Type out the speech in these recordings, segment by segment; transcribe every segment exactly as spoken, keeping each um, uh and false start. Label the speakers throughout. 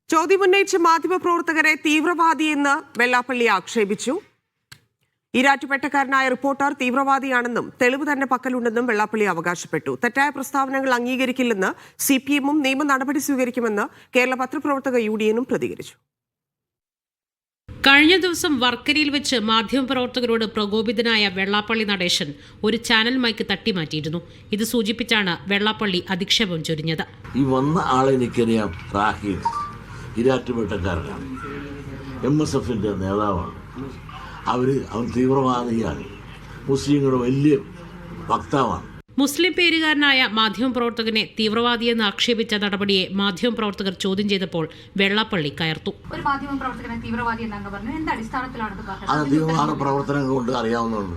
Speaker 1: ചോദ്യമുന്നയിച്ച മാധ്യമപ്രവർത്തകരെ തീവ്രവാദിയെന്ന് വെള്ളാപ്പള്ളി ആക്ഷേപിച്ചു. ഈരാറ്റുപേട്ടക്കാരനായ റിപ്പോർട്ടർ തീവ്രവാദിയാണെന്നും തെളിവ് തന്നെ പക്കലുണ്ടെന്നും വെള്ളാപ്പള്ളി അവകാശപ്പെട്ടു. തെറ്റായ പ്രസ്താവനകൾ അംഗീകരിക്കില്ലെന്ന് സി പി എമ്മും നിയമ നടപടി സ്വീകരിക്കുമെന്ന് കേരള പത്രപ്രവർത്തക യൂണിയനും പ്രതികരിച്ചു.
Speaker 2: കഴിഞ്ഞ ദിവസം വർക്കരയിൽ വെച്ച് മാധ്യമപ്രവർത്തകരോട് പ്രകോപിതനായ വെള്ളാപ്പള്ളി നടേശൻ ഒരു ചാനൽ മൈക്ക് തട്ടിമാറ്റിയിരുന്നു. ഇത് സൂചിപ്പിച്ചാണ് വെള്ളാപ്പള്ളി അധിക്ഷേപം ചൊരിഞ്ഞത്.
Speaker 3: ഈ വന്ന ആളെ എനിക്കറിയാം. റാഹീൽ ഈരാറ്റുപേട്ടക്കാരനാണ്, എം എസ് എഫിന്റെ നേതാവാണ്. അവര് അവൻ തീവ്രവാദിയാണ്, മുസ്ലിങ്ങളുടെ വലിയ വക്താവാണ്.
Speaker 2: മുസ്ലിം പേരുകാരനായ മാധ്യമപ്രവർത്തകനെ തീവ്രവാദിയെന്ന് ആക്ഷേപിച്ച നടപടിയെ മാധ്യമപ്രവർത്തകർ ചോദ്യം ചെയ്തപ്പോൾ വെള്ളാപ്പള്ളി കയർത്തു.
Speaker 4: ഒരു മാധ്യമപ്രവർത്തകനെ തീവ്രവാദി എന്നങ്ങ് പറഞ്ഞു. എന്ത് അടിസ്ഥാനത്തിലാണ് പറഞ്ഞത്?
Speaker 3: അത് തീവ്രവാദ പ്രവർത്തനം കൊണ്ട് അറിയാവുന്നതാണ്.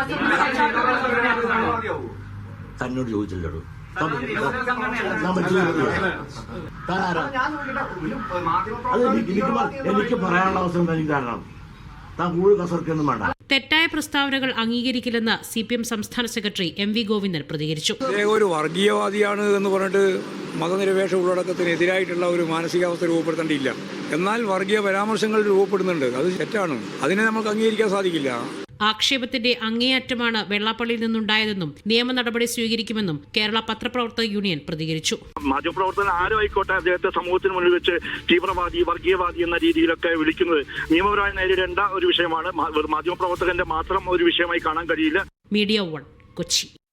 Speaker 3: തന്നോട് ചോദിച്ചില്ലടോ. എനിക്ക് പറയാനുള്ള അവസരം തനിക്ക് കാരണം താൻ കൂടുതൽ കസർക്കൊന്നും വേണ്ട.
Speaker 2: തെറ്റായ പ്രസ്താവനകൾ അംഗീകരിക്കില്ലെന്ന് സി പി എം സംസ്ഥാന സെക്രട്ടറി എം വി ഗോവിന്ദൻ പ്രതികരിച്ചു.
Speaker 5: ഒരു വർഗീയവാദിയാണ് എന്ന് പറഞ്ഞിട്ട് മതനിരപേക്ഷ ഉള്ളടക്കത്തിനെതിരായിട്ടുള്ള ഒരു മാനസികാവസ്ഥ രൂപപ്പെടുത്തേണ്ടിയില്ല. എന്നാൽ വർഗീയ പരാമർശങ്ങൾ രൂപപ്പെടുന്നുണ്ട്, അത് തെറ്റാണ്. അതിനെ നമുക്ക് അംഗീകരിക്കാൻ സാധിക്കില്ല.
Speaker 2: ആക്ഷേപത്തിന്റെ അങ്ങേയറ്റമാണ് വെള്ളാപ്പള്ളിയിൽ നിന്നുണ്ടായതെന്നും നിയമ നടപടി സ്വീകരിക്കുമെന്നും കേരള പത്രപ്രവർത്തക യൂണിയൻ പ്രതികരിച്ചു.
Speaker 6: മാധ്യമപ്രവർത്തകൻ ആരും ആയിക്കോട്ടെ, അദ്ദേഹത്തെ സമൂഹത്തിന് മുന്നിൽ വെച്ച് തീവ്രവാദി, വർഗീയവാദി എന്ന രീതിയിലൊക്കെ വിളിക്കുന്നത് നിയമപരമായി നേരിടേണ്ട ഒരു വിഷയമാണ്. മാധ്യമപ്രവർത്തകന്റെ മാത്രം ഒരു വിഷയമായി കാണാൻ കഴിയില്ല.
Speaker 2: Media one, Kochi.